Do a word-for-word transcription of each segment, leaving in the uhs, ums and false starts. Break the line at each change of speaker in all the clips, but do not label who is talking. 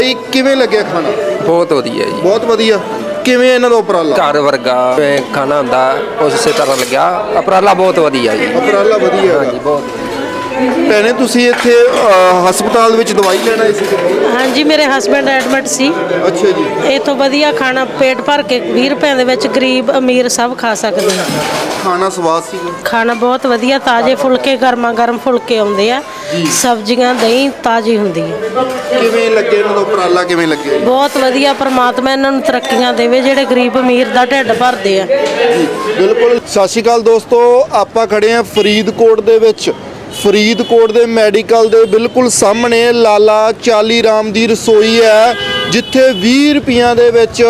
ਇਹ ਕਿਵੇਂ ਲੱਗਿਆ ਖਾਣਾ?
ਬਹੁਤ ਵਧੀਆ ਜੀ,
ਬਹੁਤ ਵਧੀਆ। ਕਿਵੇਂ ਇਹਨਾਂ ਦਾ ਉਪਰਾਲਾ?
ਘਰ ਵਰਗਾ ਜਿਵੇਂ ਖਾਣਾ ਹੁੰਦਾ ਉਸੇ ਤਰ੍ਹਾਂ ਲੱਗਿਆ। ਉਪਰਾਲਾ ਬਹੁਤ ਵਧੀਆ ਜੀ।
ਉਪਰਾਲਾ ਵਧੀਆ
ਹਾਂਜੀ, ਬਹੁਤ ਵਧੀਆ।
ਭੈਣੇ ਤੁਸੀਂ ਇੱਥੇ ਅ, ਹਸਪਤਾਲ ਵਿੱਚ ਦਵਾਈ ਲੈਣ ਆਏ ਸੀ?
ਹਾਂਜੀ, ਮੇਰੇ ਹਸਬੈਂਡ ਐਡਮਿਟ ਸੀ।
ਅੱਛਾ ਜੀ।
ਇਥੋਂ ਵਧੀਆ ਖਾਣਾ ਪੇਟ ਭਰ ਕੇ ਵੀਹ ਰੁਪਏ ਦੇ ਵਿੱਚ ਗਰੀਬ ਅਮੀਰ ਸਭ ਖਾ ਸਕਦੇ ਆ।
ਖਾਣਾ ਸਵਾਦ ਸੀ?
ਖਾਣਾ ਬਹੁਤ ਵਧੀਆ, ਤਾਜ਼ੇ ਫੁਲਕੇ, ਗਰਮਾ ਗਰਮ ਫੁਲਕੇ ਆਉਂਦੇ ਆ, ਸਬਜ਼ੀਆਂ ਦਹੀਂ ਤਾਜ਼ੀ ਹੁੰਦੀ ਹੈ।
ਕਿਵੇਂ ਲੱਗੇ ਇਹਨਾਂ ਦਾ ਉਪਰਾਲਾ? ਕਿਵੇਂ ਲੱਗੇ?
ਬਹੁਤ ਵਧੀਆ। ਪਰਮਾਤਮਾ ਇਹਨਾਂ ਨੂੰ ਤਰੱਕੀਆਂ ਦੇਵੇ ਜਿਹੜੇ ਗਰੀਬ ਅਮੀਰ ਦਾ ਢਿੱਡ ਭਰਦੇ ਆ।
ਜੀ ਬਿਲਕੁਲ। ਸਤਿ ਸ਼੍ਰੀ ਅਕਾਲ ਦੋਸਤੋ, ਆਪਾਂ ਖੜੇ ਆ ਫਰੀਦਕੋਟ ਦੇ ਵਿੱਚ। ਫਰੀਦਕੋਟ ਦੇ ਮੈਡੀਕਲ ਦੇ ਬਿਲਕੁਲ ਸਾਹਮਣੇ ਲਾਲਾ ਚਾਲੀ ਰਾਮ ਦੀ ਰਸੋਈ ਹੈ, ਜਿੱਥੇ ਵੀਹ ਰੁਪਈਆਂ ਦੇ ਵਿੱਚ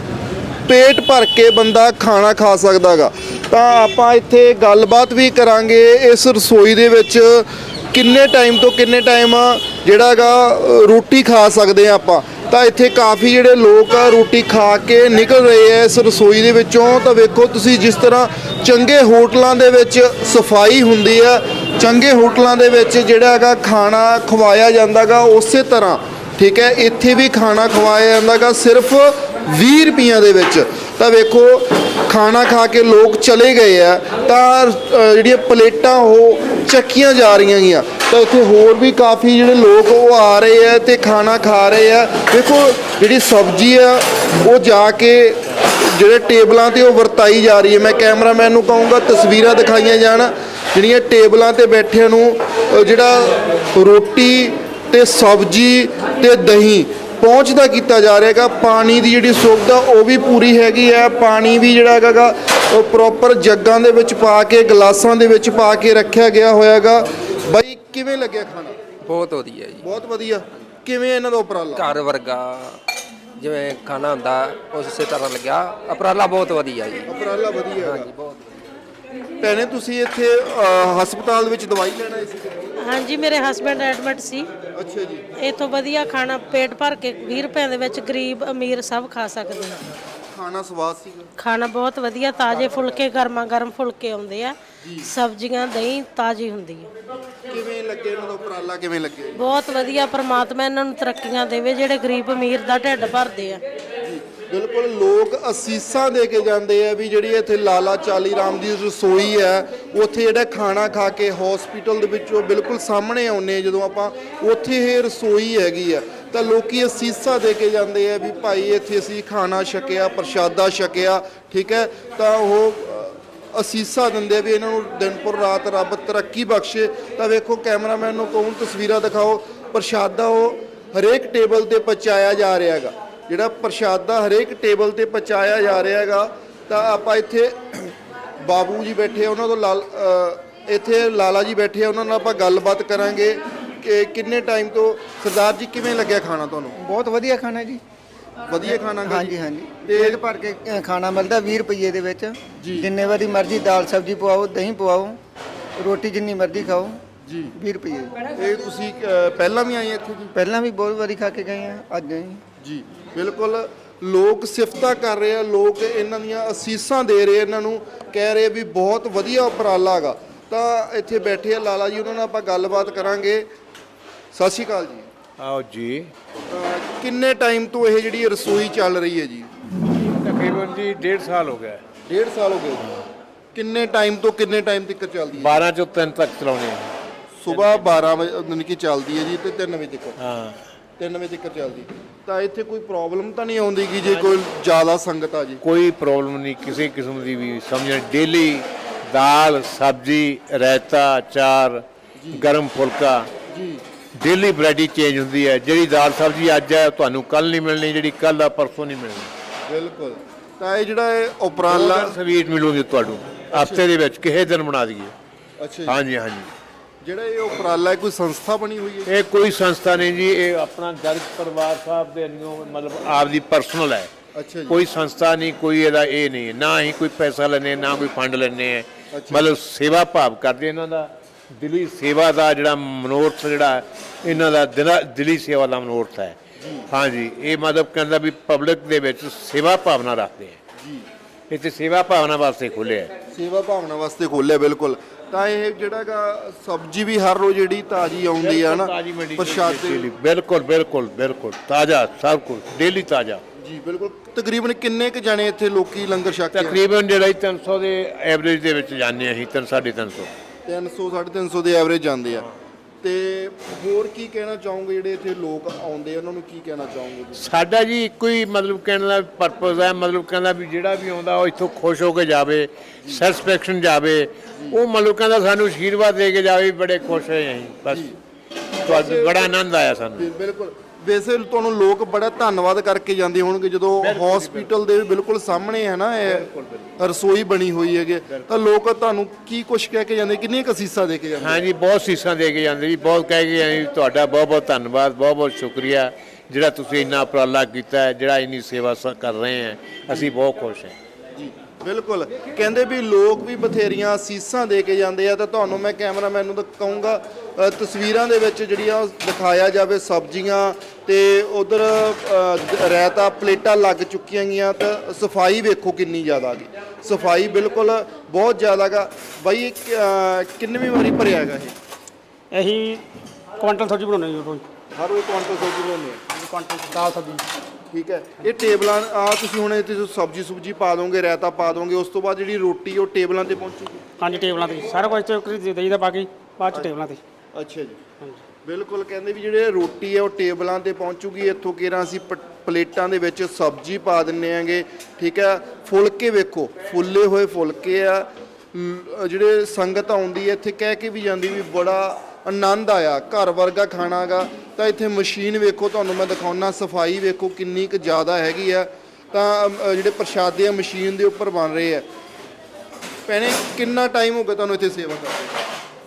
ਪੇਟ ਭਰ ਕੇ ਬੰਦਾ ਖਾਣਾ ਖਾ ਸਕਦਾ ਗਾ। ਤਾਂ ਆਪਾਂ ਇੱਥੇ ਗੱਲਬਾਤ ਵੀ ਕਰਾਂਗੇ ਇਸ ਰਸੋਈ ਦੇ ਵਿੱਚ ਕਿੰਨੇ ਟਾਈਮ ਤੋਂ ਕਿੰਨੇ ਟਾਈਮ ਜਿਹੜਾ ਗਾ ਰੋਟੀ ਖਾ ਸਕਦੇ ਆ ਆਪਾਂ। ਤਾਂ ਇੱਥੇ ਕਾਫੀ ਜਿਹੜੇ ਲੋਕ ਆ ਰੋਟੀ ਖਾ ਕੇ ਨਿਕਲ ਰਹੇ ਆ ਇਸ ਰਸੋਈ ਦੇ ਵਿੱਚੋਂ। ਤਾਂ ਵੇਖੋ ਤੁਸੀਂ, ਜਿਸ ਤਰ੍ਹਾਂ ਚੰਗੇ ਹੋਟਲਾਂ ਦੇ ਵਿੱਚ ਸਫਾਈ ਹੁੰਦੀ ਆ, ਚੰਗੇ ਹੋਟਲਾਂ ਦੇ ਵਿੱਚ ਜਿਹੜਾ ਹੈਗਾ ਖਾਣਾ ਖਵਾਇਆ ਜਾਂਦਾ ਗਾ, ਉਸੇ ਤਰ੍ਹਾਂ ਠੀਕ ਹੈ ਇੱਥੇ ਵੀ ਖਾਣਾ ਖਵਾਇਆ ਜਾਂਦਾ ਗਾ ਸਿਰਫ ਵੀਹ ਰੁਪਈਆਂ ਦੇ ਵਿੱਚ। ਤਾਂ ਵੇਖੋ ਖਾਣਾ ਖਾ ਕੇ ਲੋਕ ਚਲੇ ਗਏ ਆ, ਤਾਂ ਜਿਹੜੀਆਂ ਪਲੇਟਾਂ ਉਹ ਚੱਕੀਆਂ ਜਾ ਰਹੀਆਂ ਗੀਆਂ। ਤਾਂ ਇੱਥੇ ਹੋਰ ਵੀ ਕਾਫੀ ਜਿਹੜੇ ਲੋਕ ਉਹ ਆ ਰਹੇ ਆ ਤੇ ਖਾਣਾ ਖਾ ਰਹੇ ਆ। ਦੇਖੋ ਜਿਹੜੀ ਸਬਜ਼ੀ ਆ ਉਹ ਜਾ ਕੇ ਜਿਹੜੇ ਟੇਬਲਾਂ 'ਤੇ ਉਹ ਵਰਤਾਈ ਜਾ ਰਹੀ ਹੈ। ਮੈਂ ਕੈਮਰਾਮੈਨ ਨੂੰ ਕਹੂੰਗਾ ਤਸਵੀਰਾਂ ਦਿਖਾਈਆਂ ਜਾਣ, ਜਿਹੜੀਆਂ ਟੇਬਲਾਂ 'ਤੇ ਬੈਠਿਆਂ ਨੂੰ ਜਿਹੜਾ ਰੋਟੀ ਤੇ ਸਬਜ਼ੀ ਤੇ ਦਹੀਂ ਪਹੁੰਚਦਾ ਕੀਤਾ ਜਾ ਰਿਹਾ ਹੈਗਾ। ਪਾਣੀ ਦੀ ਜਿਹੜੀ ਸੁਵਿਧਾ ਉਹ ਵੀ ਪੂਰੀ ਹੈਗੀ ਹੈ। ਪਾਣੀ ਵੀ ਜਿਹੜਾ ਹੈਗਾ ਉਹ ਪ੍ਰੋਪਰ ਜੱਗਾਂ ਦੇ ਵਿੱਚ ਪਾ ਕੇ, ਗਲਾਸਾਂ ਦੇ ਵਿੱਚ ਪਾ ਕੇ ਰੱਖਿਆ ਗਿਆ ਹੋਇਆ ਹੈਗਾ। ਬਾਈ ਕਿਵੇਂ ਲੱਗਿਆ ਖਾਣਾ?
ਬਹੁਤ ਵਧੀਆ ਜੀ,
ਬਹੁਤ ਵਧੀਆ। ਕਿਵੇਂ ਇਹਨਾਂ ਦਾ ਉਪਰਾਲਾ?
ਘਰ ਵਰਗਾ ਜਿਵੇਂ ਖਾਣਾ ਹੁੰਦਾ ਉਸੇ ਤਰ੍ਹਾਂ ਲੱਗਿਆ। ਉਪਰਾਲਾ ਬਹੁਤ ਵਧੀਆ ਜੀ।
ਉਪਰਾਲਾ ਵਧੀਆ
ਹਾਂਜੀ,
ਹੈਗਾ।
ਬਹੁਤ।
ਭੈਣੇ ਤੁਸੀਂ ਇੱਥੇ ਅ, ਹਸਪਤਾਲ ਵਿੱਚ ਦਵਾਈ ਲੈਣ ਆਏ ਸੀ?
ਹਾਂਜੀ, ਮੇਰੇ ਹਸਬੈਂਡ ਐਡਮਿਟ ਸੀ।
ਅੱਛਾ ਜੀ।
ਇਥੋਂ ਵਧੀਆ ਖਾਣਾ ਪੇਟ ਭਰ ਕੇ ਵੀਹ ਰੁਪਏ ਦੇ ਵਿੱਚ ਗਰੀਬ ਅਮੀਰ ਸਭ ਖਾ ਸਕਦੇ ਆ।
ਖਾਣਾ ਸਵਾਦ ਸੀਗਾ?
ਖਾਣਾ ਬਹੁਤ ਵਧੀਆ, ਤਾਜ਼ੇ ਫੁਲਕੇ, ਗਰਮਾ ਗਰਮ ਫੁਲਕੇ ਆਉਂਦੇ ਆ, ਸਬਜ਼ੀਆਂ ਦਹੀਂ ਤਾਜ਼ੀ ਹੁੰਦੀ ਹੈ।
ਕਿਵੇਂ ਲੱਗੇ ਇਹਨਾਂ ਦਾ ਉਪਰਾਲਾ? ਕਿਵੇਂ ਲੱਗੇ?
ਬਹੁਤ ਵਧੀਆ। ਪਰਮਾਤਮਾ ਇਹਨਾਂ ਨੂੰ ਤਰੱਕੀਆਂ ਦੇਵੇ ਜਿਹੜੇ ਗਰੀਬ ਅਮੀਰ ਦਾ ਢਿੱਡ ਭਰਦੇ ਆ।
ਬਿਲਕੁਲ। ਲੋਕ ਅਸੀਸਾਂ ਦੇ ਕੇ ਜਾਂਦੇ ਆ ਵੀ ਜਿਹੜੀ ਇੱਥੇ ਲਾਲਾ ਚਾਲੀ ਰਾਮ ਦੀ ਰਸੋਈ ਹੈ, ਉੱਥੇ ਜਿਹੜਾ ਖਾਣਾ ਖਾ ਕੇ ਹਸਪੀਟਲ ਦੇ ਵਿੱਚੋਂ ਬਿਲਕੁਲ ਸਾਹਮਣੇ ਆਉਂਦੇ ਜਦੋਂ ਆਪਾਂ, ਉੱਥੇ ਇਹ ਰਸੋਈ ਹੈਗੀ ਆ। ਤਾਂ ਲੋਕੀ ਅਸੀਸਾਂ ਦੇ ਕੇ ਜਾਂਦੇ ਆ ਵੀ ਭਾਈ ਇੱਥੇ ਅਸੀਂ ਖਾਣਾ ਛਕਿਆ, ਪ੍ਰਸ਼ਾਦਾ ਛਕਿਆ, ਠੀਕ ਹੈ। ਤਾਂ ਉਹ ਅਸੀਸਾਂ ਦਿੰਦੇ ਆ ਵੀ ਇਹਨਾਂ ਨੂੰ ਦਿਨ ਪਰ ਰਾਤ ਰੱਬ ਤਰੱਕੀ ਬਖਸ਼ੇ। ਤਾਂ ਵੇਖੋ ਕੈਮਰਾਮੈਨ ਨੂੰ ਕਹੂੰ ਤਸਵੀਰਾਂ ਦਿਖਾਓ। ਪ੍ਰਸ਼ਾਦਾ ਉਹ ਹਰੇਕ ਟੇਬਲ 'ਤੇ ਪਹੁੰਚਾਇਆ ਜਾ ਰਿਹਾ ਹੈਗਾ। ਜਿਹੜਾ ਪ੍ਰਸ਼ਾਦਾ ਹਰੇਕ ਟੇਬਲ 'ਤੇ ਪਹੁੰਚਾਇਆ ਜਾ ਰਿਹਾ ਹੈਗਾ। ਤਾਂ ਆਪਾਂ ਇੱਥੇ ਬਾਬੂ ਜੀ ਬੈਠੇ ਆ, ਉਹਨਾਂ ਤੋਂ ਲਾਲ ਇੱਥੇ ਲਾਲਾ ਜੀ ਬੈਠੇ ਆ, ਉਹਨਾਂ ਨਾਲ ਆਪਾਂ ਗੱਲਬਾਤ ਕਰਾਂਗੇ ਕਿ ਕਿੰਨੇ ਟਾਈਮ ਤੋਂ। ਸਰਦਾਰ ਜੀ ਕਿਵੇਂ ਲੱਗਿਆ ਖਾਣਾ ਤੁਹਾਨੂੰ?
ਬਹੁਤ ਵਧੀਆ ਖਾਣਾ ਜੀ।
ਵਧੀਆ ਖਾਣਾ ਗਾ
ਹਾਂਜੀ
ਜੀ?
ਹਾਂਜੀ,
ਤੇ
ਪੇਟ ਭਰ ਕੇ ਅ, ਖਾਣਾ ਮਿਲਦਾ ਵੀਹ ਰੁਪਏ ਦੇ ਵਿੱਚ। ਜਿੰਨੇ ਵਾਰੀ ਮਰਜ਼ੀ ਦਾਲ ਸਬਜ਼ੀ ਪਵਾਓ, ਦਹੀਂ ਪਵਾਓ, ਰੋਟੀ ਜਿੰਨੀ ਮਰਜ਼ੀ ਖਾਓ
ਜੀ।
ਵੀਹ ਰੁਪਏ।
ਇਹ ਤੁਸੀਂ ਅ, ਪਹਿਲਾਂ ਵੀ ਆਏ ਇੱਥੇ ਜੀ?
ਪਹਿਲਾਂ ਵੀ ਬਹੁਤ ਵਾਰੀ ਖਾ ਕੇ ਗਏ ਆ, ਅੱਜ ਗਏ
ਜੀ ਬਿਲਕੁਲ। ਲੋਕ ਸਿਫਤਾਂ ਕਰ ਰਹੇ ਆ, ਲੋਕ ਇਹਨਾਂ ਦੀਆਂ ਅਸੀਸਾਂ ਦੇ ਰਹੇ, ਇਹਨਾਂ ਨੂੰ ਕਹਿ ਰਹੇ ਵੀ ਬਹੁਤ ਵਧੀਆ ਉਪਰਾਲਾ ਹੈਗਾ। ਤਾਂ ਇੱਥੇ ਬੈਠੇ ਆ ਲਾਲਾ ਜੀ, ਉਹਨਾਂ ਨਾਲ ਆਪਾਂ ਗੱਲਬਾਤ ਕਰਾਂਗੇ। ਸਤਿ ਸ਼੍ਰੀ ਅਕਾਲ ਜੀ।
ਆਓ ਜੀ।
ਅ, ਕਿੰਨੇ ਟਾਈਮ ਤੋਂ ਇਹ ਜਿਹੜੀ ਰਸੋਈ ਚੱਲ ਰਹੀ ਹੈ ਜੀ?
ਤਕਰੀਬਨ ਜੀ ਡੇਢ ਸਾਲ ਹੋ ਗਿਆ।
ਡੇਢ ਸਾਲ ਹੋ ਗਏ ਜੀ। ਕਿੰਨੇ ਟਾਈਮ ਤੋਂ ਕਿੰਨੇ ਟਾਈਮ ਤੱਕ ਚੱਲਦੀ ਹੈ?
ਬਾਰਾਂ ਚੋਂ ਤਿੰਨ ਤੱਕ ਚਲਾਉਣੇ ਆ।
ਸਵੇਰ ਬਾਰਾਂ ਵਜੇ ਯਾਨੀ ਕਿ ਚੱਲਦੀ ਹੈ ਜੀ, ਤੇ ਤਿੰਨ ਵਜੇ ਤੱਕ।
ਹਾਂ,
ਤਿੰਨ ਵਜੇ ਤੱਕ ਚੱਲਦੀ। ਤਾਂ ਇੱਥੇ ਕੋਈ ਪ੍ਰੋਬਲਮ ਤਾਂ ਨਹੀਂ ਆਉਂਦੀ ਕਿ ਜੇ ਕੋਈ ਜ਼ਿਆਦਾ ਸੰਗਤ ਆ ਜੀ?
ਕੋਈ ਪ੍ਰੋਬਲਮ ਨਹੀਂ ਕਿਸੇ ਕਿਸਮ ਦੀ ਵੀ। ਸਮਝਣ ਡੇਲੀ ਦਾਲ ਸਬਜ਼ੀ ਰਾਇਤਾ ਚਾਰ ਗਰਮ ਫੁਲਕਾ
ਜੀ।
ਡੇਲੀ ਵੈਰਾਈਟੀ ਚੇਂਜ ਹੁੰਦੀ ਹੈ। ਜਿਹੜੀ ਦਾਲ ਸਬਜ਼ੀ ਅੱਜ ਹੈ ਤੁਹਾਨੂੰ ਕੱਲ ਨਹੀਂ ਮਿਲਣੀ, ਜਿਹੜੀ ਕੱਲ ਆ ਪਰਸੋਂ ਨਹੀਂ ਮਿਲਣੀ।
ਬਿਲਕੁਲ। ਤਾਂ ਇਹ ਜਿਹੜਾ ਇਹ ਉਪਰਾਲਾ
ਸਵੀਟ ਮਿਲੂਗੀ ਤੁਹਾਨੂੰ ਹਫਤੇ ਦੇ ਵਿੱਚ, ਕਿਸੇ ਦਿਨ ਬਣਾ ਦਈਏ।
ਅੱਛਾ ਜੀ।
ਹਾਂਜੀ ਹਾਂਜੀ।
ਜਿਹੜਾ ਇਹ ਉਪਰਾਲਾ ਹੈ, ਕੋਈ ਸੰਸਥਾ ਬਣੀ ਹੋਈ ਹੈ?
ਇਹ ਕੋਈ ਸੰਸਥਾ ਨਹੀਂ ਜੀ, ਇਹ ਆਪਣਾ ਗਰਗ ਪਰਿਵਾਰ ਸਾਹਿਬ ਦੇ ਅੰਗੋਂ ਮਤਲਬ ਆਪਦੀ ਪਰਸਨਲ ਹੈ।
ਅੱਛਾ ਜੀ।
ਕੋਈ ਸੰਸਥਾ ਨਹੀਂ, ਕੋਈ ਇਹਦਾ ਇਹ ਨਹੀਂ, ਨਾ ਹੀ ਕੋਈ ਪੈਸਾ ਲੈਣੇ, ਨਾ ਕੋਈ ਫੰਡ ਲੈਣੇ ਹੈ। ਮਤਲਬ ਸੇਵਾ ਭਾਵ ਕਰਦੇ ਇਹਨਾਂ ਦਾ, ਦਿਲੀ ਸੇਵਾ ਦਾ ਜਿਹੜਾ ਮਨੋਰਥ ਜਿਹੜਾ ਇਹਨਾਂ ਦਾ ਦਿਲਾ ਦਿਲੀ ਸੇਵਾ ਦਾ ਮਨੋਰਥ ਹੈ। ਹਾਂਜੀ, ਇਹ ਮਤਲਬ ਕਹਿੰਦਾ ਵੀ ਪਬਲਿਕ ਦੇ ਵਿੱਚ ਸੇਵਾ ਭਾਵਨਾ ਰੱਖਦੇ ਹੈ ਜੀ। ਇੱਥੇ ਸੇਵਾ ਭਾਵਨਾ ਵਾਸਤੇ ਖੋਲ੍ਹਿਆ ਹੈ।
ਸੇਵਾ ਭਾਵਨਾ ਵਾਸਤੇ ਖੋਲ੍ਹਿਆ। ਬਿਲਕੁਲ। ਤਾਂ ਇਹ ਜਿਹੜਾਗਾ ਸਬਜ਼ੀ ਵੀ ਹਰ ਰੋਜ਼ ਜਿਹੜੀ ਤਾਜ਼ੀ ਆਉਂਦੀ ਆ ਨਾ
ਤਾਜ਼ੀ ਮੰਡੀ
ਪ੍ਰਸ਼ਾਦੇ
ਬਿਲਕੁਲ ਬਿਲਕੁਲ ਬਿਲਕੁਲ ਤਾਜ਼ਾ ਸਭ ਕੁਝ ਡੇਲੀ ਤਾਜ਼ਾ
ਜੀ ਬਿਲਕੁਲ। ਤਕਰੀਬਨ ਕਿੰਨੇ ਕ ਜਾਣੇ ਇੱਥੇ ਲੋਕੀ ਲੰਗਰ ਛਕਦੇ ਆ?
ਤਕਰੀਬਨ ਜਿਹੜਾ ਤਿੰਨ ਸੌ ਦੇ ਐਵਰੇਜ ਦੇ ਵਿੱਚ ਜਾਂਦੇ ਅਸੀਂ ਤਿੰਨ ਸਾਢੇ ਤਿੰਨ ਸੌ
ਤਿੰਨ ਸੌ ਸਾਢੇ ਤਿੰਨ ਸੌ ਦੇ ਐਵਰੇਜ ਜਾਂਦੇ ਆ। ਤੇ ਹੋਰ ਕੀ ਕਹਿਣਾ ਚਾਹੋਗੇ ਜਿਹੜੇ ਇੱਥੇ ਲੋਕ ਆਉਂਦੇ ਆ ਉਹਨਾਂ ਨੂੰ ਕੀ ਕਹਿਣਾ ਚਾਹੋਗੇ ਤੁਸੀਂ?
ਸਾਡਾ ਜੀ ਇੱਕੋ ਹੀ ਮਤਲਬ ਕਹਿਣ ਦਾ ਪਰਪਸ ਹੈ, ਮਤਲਬ ਕਹਿੰਦਾ ਵੀ ਜਿਹੜਾ ਵੀ ਆਉਂਦਾ ਉਹ ਇੱਥੋਂ ਖੁਸ਼ ਹੋ ਕੇ ਜਾਵੇ, ਸੈਟੀਸਫੈਕਸ਼ਨ ਜਾਵੇ, ਉਹ ਮਤਲਬ ਕਹਿੰਦਾ ਸਾਨੂੰ ਆਸ਼ੀਰਵਾਦ ਦੇ ਕੇ ਜਾਵੇ, ਬੜੇ ਖੁਸ਼ ਹੋਏ ਅਸੀਂ ਬਸ। ਤੁਹਾਨੂੰ ਬੜਾ ਆਨੰਦ ਆਇਆ ਸਾਨੂੰ।
ਬਿ- ਬਿਲਕੁਲ। ਵੈਸੇ ਤੁਹਾਨੂੰ ਲੋਕ ਬੜਾ ਧੰਨਵਾਦ ਕਰਕੇ ਜਾਂਦੇ ਹੋਣਗੇ ਜਦੋਂ ਹਸਪੀਟਲ ਦੇ ਬਿਲਕੁਲ ਸਾਹਮਣੇ ਹੈ ਨਾ ਇਹ ਰਸੋਈ ਬਣੀ ਹੋਈ ਹੈਗੇ, ਤਾਂ ਲੋਕ ਤੁਹਾਨੂੰ ਕੀ ਕੁਛ ਕਹਿ ਕੇ ਜਾਂਦੇ, ਕਿੰਨੀਆਂ ਕੁ ਅਸੀਸਾਂ ਦੇ ਕੇ ਜਾਂਦੇ?
ਹਾਂਜੀ ਬਹੁਤ ਸੀਸਾਂ ਦੇ ਕੇ ਜਾਂਦੇ ਜੀ, ਬਹੁਤ ਕਹਿ ਕੇ ਜਾਂਦੇ ਜੀ, ਤੁਹਾਡਾ ਬਹੁਤ ਬਹੁਤ ਧੰਨਵਾਦ, ਬਹੁਤ ਬਹੁਤ ਸ਼ੁਕਰੀਆ ਜਿਹੜਾ ਤੁਸੀਂ ਇੰਨਾ ਉਪਰਾਲਾ ਕੀਤਾ ਹੈ, ਜਿਹੜਾ ਇੰਨੀ ਸੇਵਾ ਸ- ਕਰ ਰਹੇ ਹੈ, ਅਸੀਂ ਬਹੁਤ ਖੁਸ਼ ਹਾਂ
ਜੀ ਬਿਲਕੁਲ। ਕਹਿੰਦੇ ਵੀ ਲੋਕ ਵੀ ਬਥੇਰੀਆਂ ਅਸੀਸਾਂ ਦੇ ਕੇ ਜਾਂਦੇ ਆ, ਤਾਂ ਤੁਹਾਨੂੰ ਮੈਂ ਕੈਮਰਾਮੈਨ ਨੂੰ ਤਾਂ ਕਹੂੰਗਾ ਅ, ਤਸਵੀਰਾਂ ਦੇ ਵਿੱਚ ਜਿਹੜੀਆਂ ਉਹ ਦਿਖਾਇਆ ਜਾਵੇ ਸਬਜ਼ੀਆਂ ਤੇ ਉਧਰ ਰਾਇਤਾ ਪਲੇਟਾਂ ਲੱਗ ਚੁੱਕੀਆਂ ਗਈਆਂ, ਤਾਂ ਸਫਾਈ ਵੇਖੋ ਕਿੰਨੀ ਜ਼ਿਆਦਾ ਗਈ, ਸਫਾਈ ਬਿਲਕੁਲ ਬਹੁਤ ਜ਼ਿਆਦਾ ਗਾ। ਬਾਈ ਇਹ ਕਿ- ਅ, ਕਿੰਨਵੀਂ ਵਾਰੀ ਭਰਿਆ ਹੈਗਾ ਇਹ?
ਅਸੀਂ ਕੁਆਂਟਲ ਸਬਜ਼ੀ ਬਣਾਉਂਦੇ ਹਾਂ ਜੀ ਰੋਜ਼,
ਹਰ ਰੋਜ਼ ਕੁਆਂਟਲ ਸਬਜ਼ੀ ਬਣਾਉਂਦੇ ਆ?
ਕੁਆਂਟਲ ਦਾਲ ਸਬਜ਼ੀ।
ਠੀਕ ਹੈ। ਇਹ ਟੇਬਲਾਂ ਆ ਤੁਸੀਂ ਹੁਣ ਇੱਥੇ ਸਬਜ਼ੀ ਸੁਬਜੀ ਪਾ ਦੋਗੇ, ਰਾਇਤਾ ਪਾ ਦੋਗੇ, ਉਸ ਤੋਂ ਬਾਅਦ ਜਿਹੜੀ ਰੋਟੀ ਉਹ ਟੇਬਲਾਂ ਤੇ ਪਹੁੰਚੂਗੀ?
ਹਾਂਜੀ ਟੇਬਲਾਂ ਤੇ ਸਾਰਾ ਕੁਝ ਤੇ ਦੇ ਦੇਈਦਾ, ਬਾਕੀ ਬਾਅਦ ਚ ਟੇਬਲਾਂ ਤੇ।
ਅੱਛਾ ਜੀ ਬਿਲਕੁਲ। ਕਹਿੰਦੇ ਵੀ ਜਿਹੜੇ ਰੋਟੀ ਹੈ ਉਹ ਟੇਬਲਾਂ ਤੇ ਪਹੁੰਚੂਗੀ, ਇੱਥੋਂ ਕਿਹੜਾ ਅਸੀਂ ਪ- ਪਲੇਟਾਂ ਦੇ ਵਿੱਚ ਸਬਜ਼ੀ ਪਾ ਦਿੰਨੇ ਆਂਗੇ। ਠੀਕ ਹੈ। ਫੁਲਕੇ ਵੇਖੋ, ਫੁੱਲੇ ਹੋਏ ਫੁਲਕੇ ਆ, ਲ- ਜਿਹੜੇ ਸੰਗਤ ਆਉਂਦੀ ਹੈ ਇੱਥੇ ਕਹਿ ਕੇ ਵੀ ਜਾਂਦੀ ਵੀ ਬੜਾ ਆਨੰਦ ਆਇਆ, ਘਰ ਵਰਗਾ ਖਾਣਾ ਗਾ। ਤਾਂ ਇੱਥੇ ਮਸ਼ੀਨ ਵੇਖੋ, ਤੁਹਾਨੂੰ ਮੈਂ ਦਿਖਾਉਣਾ, ਸਫਾਈ ਵੇਖੋ ਕਿੰਨੀ ਕੁ ਜ਼ਿਆਦਾ ਹੈਗੀ ਆ। ਤਾਂ ਅ, ਜਿਹੜੇ ਪ੍ਰਸ਼ਾਦੇ ਆ ਮਸ਼ੀਨ ਦੇ ਉੱਪਰ ਬਣ ਰਹੇ ਆ। ਭੈਣੇ ਕਿੰਨਾ ਟਾਈਮ ਹੋ ਗਿਆ ਤੁਹਾਨੂੰ ਇੱਥੇ ਸੇਵਾ ਕਰਦੇ?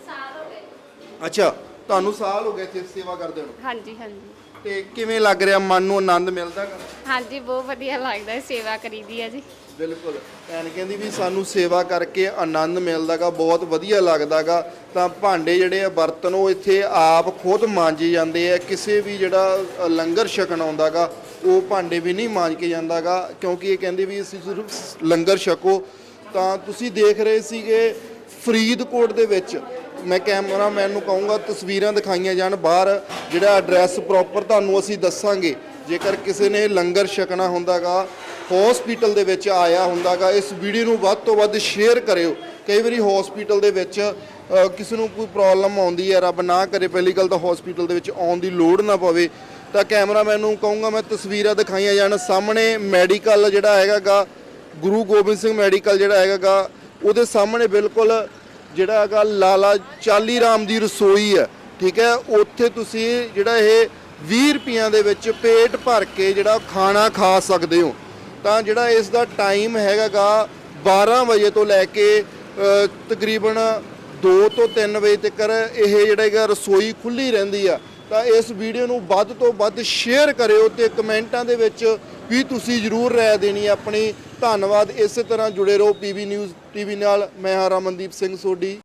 ਅੱਛਾ, ਤੁਹਾਨੂੰ ਸਾਲ ਹੋ ਗਏ ਇੱਥੇ ਸੇਵਾ ਕਰਦੇ ਨੂੰ।
ਹਾਂਜੀ ਹਾਂਜੀ
ਤੇ ਕਿਵੇਂ ਲੱਗ ਰਿਹਾ, ਮਨ ਨੂੰ ਆਨੰਦ ਮਿਲਦਾ ਗਾ?
ਹਾਂਜੀ ਬਹੁਤ ਵਧੀਆ ਲੱਗਦਾ ਹੈ, ਸੇਵਾ ਕਰੀਦੀ ਹੈ ਜੀ।
ਬਿਲਕੁਲ। ਭੈਣ ਕਹਿੰਦੀ ਵੀ ਸਾਨੂੰ ਸੇਵਾ ਕਰਕੇ ਆਨੰਦ ਮਿਲਦਾ ਗਾ, ਬਹੁਤ ਵਧੀਆ ਲੱਗਦਾ ਗਾ। ਤਾਂ ਭਾਂਡੇ ਜਿਹੜੇ ਆ ਬਰਤਨ ਉਹ ਇੱਥੇ ਆਪ ਖੁਦ ਮਾਂਜੇ ਜਾਂਦੇ ਆ, ਕਿਸੇ ਵੀ ਜਿਹੜਾ ਅ, ਲੰਗਰ ਛਕਣ ਆਉਂਦਾ ਗਾ ਉਹ ਭਾਂਡੇ ਵੀ ਨਹੀਂ ਮਾਂਜ ਕੇ ਜਾਂਦਾ ਗਾ, ਕਿਉਂਕਿ ਇਹ ਕਹਿੰਦੇ ਵੀ ਅਸੀਂ ਸਿਰਫ ਲੰਗਰ ਛਕੋ। ਤਾਂ ਤੁਸੀਂ ਦੇਖ ਰਹੇ ਸੀਗੇ ਫਰੀਦਕੋਟ ਦੇ ਵਿੱਚ, ਮੈਂ ਕੈਮਰਾਮੈਨ ਨੂੰ ਕਹੂੰਗਾ ਤਸਵੀਰਾਂ ਦਿਖਾਈਆਂ ਜਾਣ ਬਾਹਰ, ਜਿਹੜਾ ਐਡਰੈਸ ਪ੍ਰੋਪਰ ਤੁਹਾਨੂੰ ਅਸੀਂ ਦੱਸਾਂਗੇ। ਜੇਕਰ ਕਿਸੇ ਨੇ ਲੰਗਰ ਛਕਣਾ ਹੁੰਦਾਗਾ, ਹਸਪੀਟਲ ਦੇ ਵਿੱਚ ਆਇਆ ਹੁੰਦਾਗਾ, ਇਸ ਵੀਡੀਓ ਨੂੰ ਵੱਧ ਤੋਂ ਵੱਧ ਸ਼ੇਅਰ ਕਰਿਓ। ਕਈ ਵਾਰੀ ਹਸਪੀਟਲ ਦੇ ਵਿੱਚ ਅ, ਕਿਸੇ ਨੂੰ ਕੋਈ ਪ੍ਰੋਬਲਮ ਆਉਂਦੀ ਹੈ, ਰੱਬ ਨਾ ਕਰੇ, ਪਹਿਲੀ ਗੱਲ ਤਾਂ ਹਸਪੀਟਲ ਦੇ ਵਿੱਚ ਆਉਣ ਦੀ ਲੋੜ ਨਾ ਪਵੇ। ਤਾਂ ਕੈਮਰਾਮੈਨ ਨੂੰ ਕਹੂੰਗਾ ਮੈਂ ਤਸਵੀਰਾਂ ਦਿਖਾਈਆਂ ਜਾਣ। ਸਾਹਮਣੇ ਮੈਡੀਕਲ ਜਿਹੜਾ ਹੈਗਾਗਾ, ਗੁਰੂ ਗੋਬਿੰਦ ਸਿੰਘ ਮੈਡੀਕਲ ਜਿਹੜਾ ਹੈਗਾਗਾ, ਉਹਦੇ ਸਾਹਮਣੇ ਬਿਲਕੁਲ ਜਿਹੜਾ ਹੈਗਾ ਲਾਲਾ ਚਾਲੀ ਰਾਮ ਦੀ ਰਸੋਈ ਹੈ। ਠੀਕ ਹੈ। ਉੱਥੇ ਤੁਸੀਂ ਜਿਹੜਾ ਇਹ ਵੀਹ ਰੁਪਈਆਂ ਦੇ ਵਿੱਚ ਪੇਟ ਭਰ ਕੇ ਜਿਹੜਾ ਖਾਣਾ ਖਾ ਸਕਦੇ ਹੋ। ਤਾਂ ਜਿਹੜਾ ਇਸ ਦਾ ਟਾਈਮ ਹੈਗਾਗਾ ਬਾਰਾਂ ਵਜੇ ਤੋਂ ਲੈ ਕੇ ਅ, ਤਕਰੀਬਨ ਦੋ ਤੋਂ ਤਿੰਨ ਵਜੇ ਤੱਕ ਇਹ ਜਿਹੜਾ ਹੈਗਾ ਰਸੋਈ ਖੁੱਲੀ ਰਹਿੰਦੀ ਆ। ਤਾਂ ਇਸ ਵੀਡੀਓ ਨੂੰ ਵੱਧ ਤੋਂ ਵੱਧ ਸ਼ੇਅਰ ਕਰਿਓ ਤੇ ਕਮੈਂਟਾਂ ਦੇ ਵਿੱਚ ਵੀ ਤੁਸੀਂ ਜ਼ਰੂਰ ਰਾਏ ਦੇਣੀ ਆਪਣੀ। ਧੰਨਵਾਦ। ਇਸੇ ਤਰ੍ਹਾਂ ਜੁੜੇ ਰਹੋ ਪੀਬੀ ਨਿਊਜ਼ ਟੀਵੀ ਨਾਲ। ਮੈਂ ਹਾਂ ਰਮਨਦੀਪ ਸਿੰਘ ਸੋਢੀ।